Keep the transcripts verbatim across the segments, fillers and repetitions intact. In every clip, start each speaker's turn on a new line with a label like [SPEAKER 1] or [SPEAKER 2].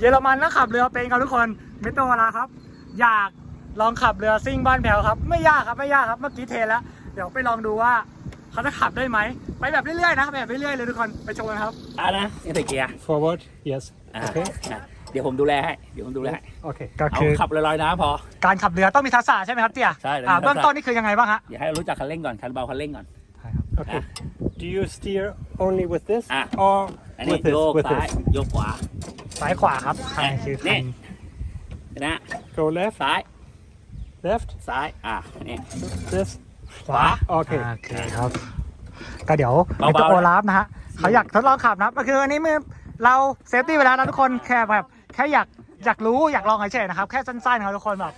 [SPEAKER 1] เยอรมันแล้วขับเรือเป็นครับทุกคนมิสเตอร์วาลาครับอยากลองขับเรือซิ่งบ้านแพ้วครับไม่ยากครับไม่ยากครับเมื่อกี้เทแล้วเดี๋ยวไปลองดูว่าเขาจะขับได้ไหมไปแบบเรื่อยๆนะแบบเรื่อยๆเลยทุกคนไปชมกันครับ
[SPEAKER 2] อ่ะนะนี่ใส่เกียร์
[SPEAKER 3] forward yes
[SPEAKER 2] อ่ะ
[SPEAKER 3] okay
[SPEAKER 2] อ่ะเดี๋ยวผมดูแลให้เดี๋ยวผมดูแลให้
[SPEAKER 3] okay
[SPEAKER 1] ก็
[SPEAKER 2] เอา
[SPEAKER 1] คือ
[SPEAKER 2] ขับลอยๆน้ำพอ
[SPEAKER 1] การขับเรือต้องมีทักษะใช่ไหมครับเตี่ย
[SPEAKER 2] ใช่
[SPEAKER 1] อ่า
[SPEAKER 2] ต้องมีทักษะ
[SPEAKER 1] เบื้องต้นนี่คือยังไงบ้างฮะ
[SPEAKER 2] อย่าให้เรารู้จักคันเร่งก่อนคันเบาคันเร่งก่อน
[SPEAKER 3] okay do you steer only with this
[SPEAKER 2] อ่ะ
[SPEAKER 3] or
[SPEAKER 2] อันนี้
[SPEAKER 3] with this
[SPEAKER 2] โยก
[SPEAKER 3] with
[SPEAKER 2] ซ้าย
[SPEAKER 3] this
[SPEAKER 2] โยกขวา
[SPEAKER 1] ซ้ายขวาครับใช่คือคั
[SPEAKER 2] นี่
[SPEAKER 1] น
[SPEAKER 2] นะ
[SPEAKER 3] go left
[SPEAKER 2] ซ้าย
[SPEAKER 3] left
[SPEAKER 2] ซ้ายอ่ะนี่
[SPEAKER 3] this
[SPEAKER 1] ขวา
[SPEAKER 3] โอเค
[SPEAKER 1] โอเคครับก็เดี๋ยว
[SPEAKER 2] เบาๆ
[SPEAKER 1] มิสเตอร์โอลาฟนะฮะเขาอยากทดลองขับนะก็คืออันนี้มือเราเซฟตี้ไปแล้วนะทุกคนแค่แบบแค่อยากอยากรู้อยากลองเฉยๆนะครับแค่สั้นๆครับทุกคนแบบ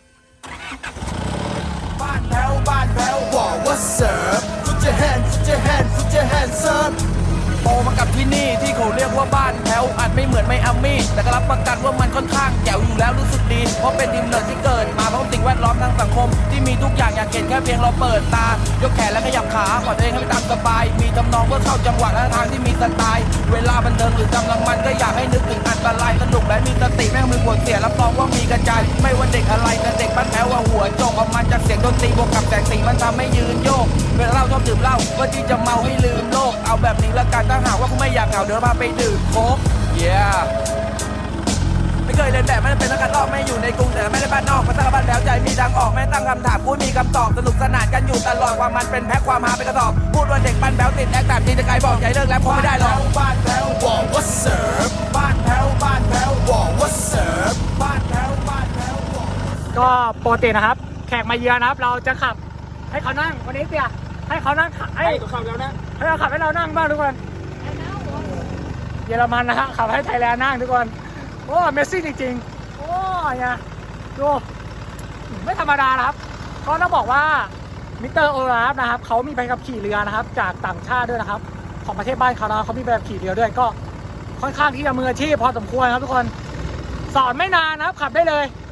[SPEAKER 4] บ้านแพ้วบ้านแพ้วบอกว่าเสิร์ฟฟุตเจแฮนฟุตเจแฮนฟุตเจแฮนเซิร์ฟโตมากับที่นี่ที่เขาเรียกว่าบ้านแพ้วอาจไม่เหมือนไมอามี่แต่ก็รับประกันว่ามันค่อนข้างแจ๋วอยู่แล้วรู้สึกดีเพราะเป็นทีมเนิร์ดที่เกิดมาเพราะสิ่งแวดล้อมทางสังคมที่มีทุกอย่างอยากเห็นแค่เพียงเราเปิดตายกแขนและขยับขาปล่อยตัวเองให้ไปตามสบายมีทำนองเพื่อเข้าจังหวะและทางที่มีสไตล์เวลาบันเทิงหรือกำลังมันก็อยากให้นึกถึงอันตรายสนุกและมีสติแม่งมือปวดเสียรับรองว่ามีกระจายไม่ว่าเด็กอะไรแต่เด็กบ้านแพ้วว่าหัวโจกออกมาจากเสียงดนตรีบวกกับแสงสีมันทำให้ยืนโยกเวลาเราชอบดื่มเหล้าก็ที่จะเมาให้ลืมโลกเอาแบบนี้ละกันถ้าหากว่าคุณไม่อยากเหงาเดี๋ยวพาไปดื่มโค้ก yeah ไม่เคยเรียนแบบไม่ได้เป็นนักการลอกไม่อยู่ในกรุงแต่ไม่ได้บ้านนอกมาสร้างบ้านแล้วใจมีทางออกไม่ตั้งคำถามพูดมีคำตอบสนุกสนานกันอยู่ตลอดความมันเป็นแพ็คความฮาเป็นกระสอบพูดว่าเด็กบ้านแบ้วติดแอคแต่ทีจะไกลบอกใจเลิกแล้วคงไม่ได้หรอกบ้านแพ้วบอกว่าเสิร์ฟบ้านแพ้วบ้านแพ้วบอกว่าเสิร์ฟบ้านแพ้วบ้านแพ้วบอก
[SPEAKER 1] ก็ปกตินะครับแขกมาเยือนนะครับเราจะขับให้เขานั่งวันนี้เตี่ยให้เขานั่งให้
[SPEAKER 2] ให้ตัวขับแล้วนะ
[SPEAKER 1] ให้เราขับให้เรานั่งบ้างทุกคนเยอรมันนะฮะขับให้ไทยแลนด์นั่งทุกคนโอ้เมสซี่จริงๆโอ้ยนะดูไม่ธรรมดานะครับก็ต้องบอกว่ามิสเตอร์โอลาฟนะครับเขามีใบขับขี่เรือนะครับจากต่างชาติด้วยนะครับของประเทศบ้านเขานะเขามีใบขับขี่เรือด้วยก็ค่อนข้างที่จะมืออาชีพพอสมควรครับทุกคนสอนไม่นานนะครับขับได้เลย